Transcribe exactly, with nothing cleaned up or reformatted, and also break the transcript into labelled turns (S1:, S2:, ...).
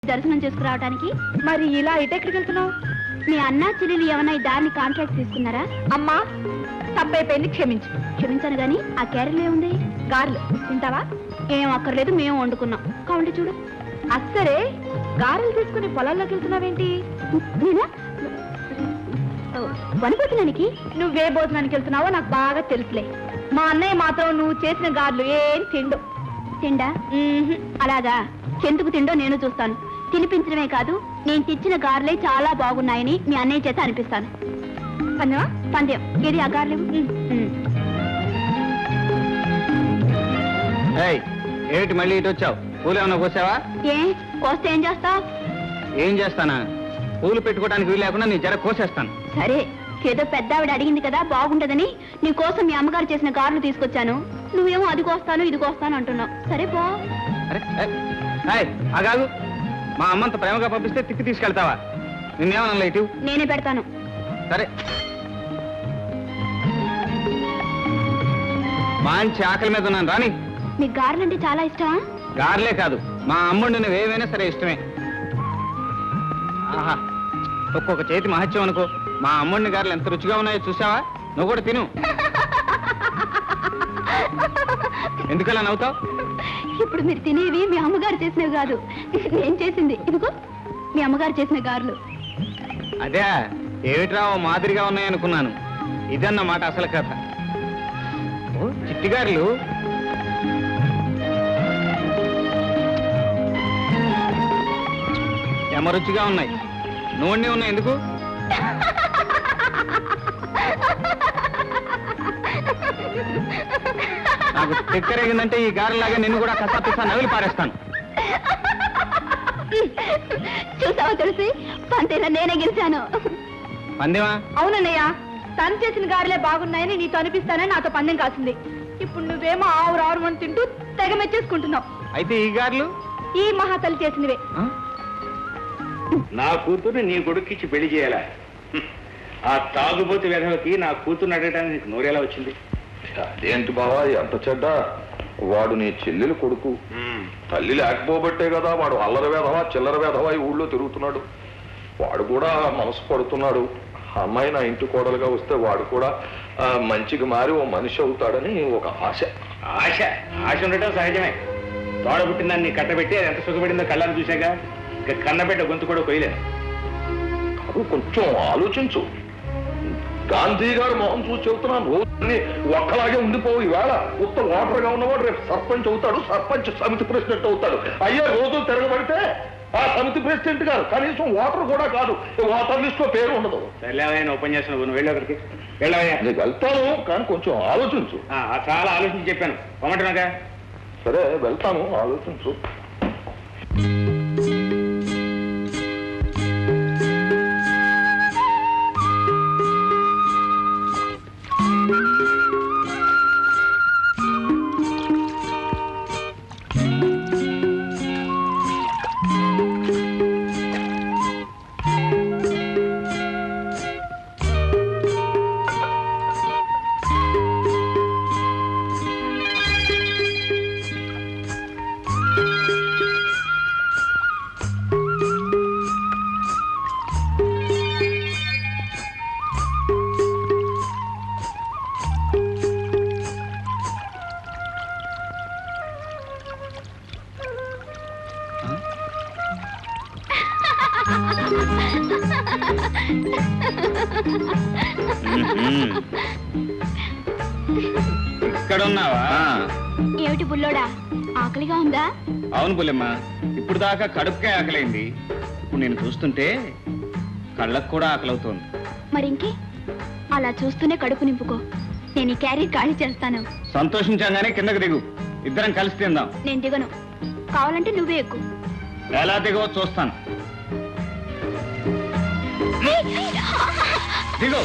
S1: దర్శనం చేసుకురావడానికి.
S2: మరి ఇలా ఇటు ఎక్కడికి వెళ్తున్నావు?
S1: మీ అన్న చెల్లెలు ఏమన్నా ఈ దారిని కాంట్రాక్ట్ తీసుకున్నారా?
S2: అమ్మా తప్పైపోయింది, క్షమించు.
S1: క్షమించాను గాని ఆ క్యారెల్ ఏముంది?
S2: గారెలు తింటావా?
S1: ఏం అక్కర్లేదు, మేము వండుకున్నాం. కావండి చూడు.
S2: అస్సరే గారెలు తీసుకుని పొలాల్లోకి వెళ్తున్నావేంటి?
S1: నేనా వనపోతున్నానికి?
S2: నువ్వే భోజనానికి వెళ్తున్నావో నాకు బాగా తెలుసులే. మా అన్నయ్య మాత్రం నువ్వు చేసిన గారెలు ఏం తిండు.
S1: తిండా? అలాగా, ఎందుకు తిండో నేను చూస్తాను. తినిపించడమే కాదు, నేను తెచ్చిన గారెలే చాలా బాగున్నాయని మీ అన్నయ్య చేత అనిపిస్తాను.
S2: పందెమా?
S1: పందెం. ఏది ఆ గారెలు?
S3: ఏమిటి మళ్ళీ ఇటు వచ్చావు? పూలు ఏమన్నా కోసావా?
S1: ఏ కోస్తే ఏం చేస్తావు?
S3: ఏం చేస్తానా? పూలు పెట్టుకోవడానికి వీలు లేకుండా నీ జర కోసేస్తాను.
S1: సరే, ఏదో పెద్ద ఆవిడ అడిగింది కదా బాగుంటదని నీ కోసం మీ అమ్మగారు చేసిన గారెలు తీసుకొచ్చాను. నువ్వేమో అది కోస్తాను ఇది కోస్తాను అంటున్నావు. సరే పో.
S3: అరే అగాగు, మా అమ్మంత ప్రేమగా పంపిస్తే తిక్కి తీసుకెళ్తావా? నిన్నేమన్నా ఇటు?
S1: నేనే పెడతాను.
S3: సరే, మంచి ఆకలి మీద ఉన్నాను రాని.
S1: మీకు గారెలు అంటే చాలా ఇష్టమా?
S3: గారెలే కాదు, మా అమ్ముడు నువ్వు ఏమైనా సరే ఇష్టమే. ఆహా, ఒక్కొక్క చేతి మహత్యం అనుకో. మా అమ్ముడిని గారెలు ఎంత రుచిగా ఉన్నాయో చూసావా? నువ్వు కూడా తిను. ఎందుకలా నవ్వుతావు?
S1: ఇప్పుడు మీరు తినేవి మీ అమ్మగారు చేసినవి కాదు, నేను చేసింది. ఇదిగో మీ అమ్మగారు చేసిన గారెలు.
S3: అదే ఏమిట్రా మాదిరిగా ఉన్నాయనుకున్నాను. ఇదన్నమాట అసలు కథ. ఓ చిట్టిగారులు. ఎమరుచిగా ఉన్నాయి. నూనె ఉన్నాయి. ఎందుకు? నాకు తిక్కరేగిందంటే ఈ గారెలాగా నిన్ను కూడా కసా పిసా నవిలి పారేస్తాను.
S1: చూసావా తెలిసి పంతేలా నేనే గెలిచాను.
S3: పందెమా?
S2: అవునన్నయ్య, తను చేసిన గారెలే బాగున్నాయని నీతో అనిపిస్తానని నాతో పందెం కాసింది. ఇప్పుడు నువ్వేమో ఆవురు ఆరు అని తింటూ తెగ మెచ్చేసుకుంటున్నావు.
S3: అయితే ఈ గారెలు
S2: ఈ మహాతల్లి చేసినవే.
S4: నా కూతుర్ని నీ కొడుక్కిచ్చి పెళ్లి చేయాలా? ఆ తాగుబోతు వెధవకి నా కూతుర్ని అడగడానికి నీకు నోరేలా వచ్చింది?
S5: అదేంటి బావా ఎంత చెడ్డ? వాడు నీ చెల్లెలు కొడుకు. తల్లి లేకపోబట్టే కదా వాడు అల్లరి వేధవా చిల్లర వేధవా ఈ ఊళ్ళో తిరుగుతున్నాడు. వాడు కూడా మనసు పడుతున్నాడు. అమ్మాయి నా ఇంటి కోడలుగా వస్తే వాడు కూడా మంచిగా మారి ఓ మనిషి అవుతాడని ఒక ఆశ.
S4: ఆశ ఆశ ఉండటం సహజమే. తోడ పుట్టిందాన్ని కట్టబెట్టి అది ఎంత సుఖపడిందో కళ్ళని చూశాక ఇక కన్నబెట్ట గొంతు కూడా కొయ్యలేదు.
S5: కాదు, కొంచెం ఆలోచించు. గాంధీ గారు మొహం చూసి చెబుతున్నాను, రోజుని ఒక్కలాగే ఉండిపోవు. ఈవేళ ఉత్తర ఓటర్గా ఉన్నవాడు రేపు సర్పంచ్ అవుతాడు, సర్పంచ్ సమితి ప్రెసిడెంట్ అవుతాడు. అయ్యే రోజు తిరగబడితే ఆ సమితి ప్రెసిడెంట్ గారు కనీసం ఓటర్ కూడా కాదు, ఓటర్ లిస్ట్ లో పేరు ఉండదు.
S4: సర్లేవయ్యా ఉపన్యాసం నువ్వు వెళ్ళి ఒకరికి వెళ్ళవయ్యా.
S5: నీకు వెళ్తాను, కానీ కొంచెం ఆలోచించు.
S4: చాలా ఆలోచించి చెప్పాను పొమ్మంటున్నాగా.
S5: సరే వెళ్తాను, ఆలోచించు.
S3: ఇక్కడున్నావా?
S1: ఏమిటి బుల్లోడా, ఆకలిగా ఉందా?
S3: అవును బుల్లెమ్మ, ఇప్పుడు దాకా కడుపుకే ఆకలైంది. ఇప్పుడు నేను చూస్తుంటే కళ్ళకు కూడా ఆకలవుతోంది.
S1: మరింకే, అలా చూస్తూనే కడుపు నింపుకో. నేను ఈ క్యారీ ఖాళీ చేస్తాను.
S3: సంతోషించగానే కిందకు దిగు, ఇద్దరం కలిసి తిందాం.
S1: నేను దిగను, కావాలంటే నువ్వే ఎక్కువ.
S3: ఎలా దిగవో చూస్తాను.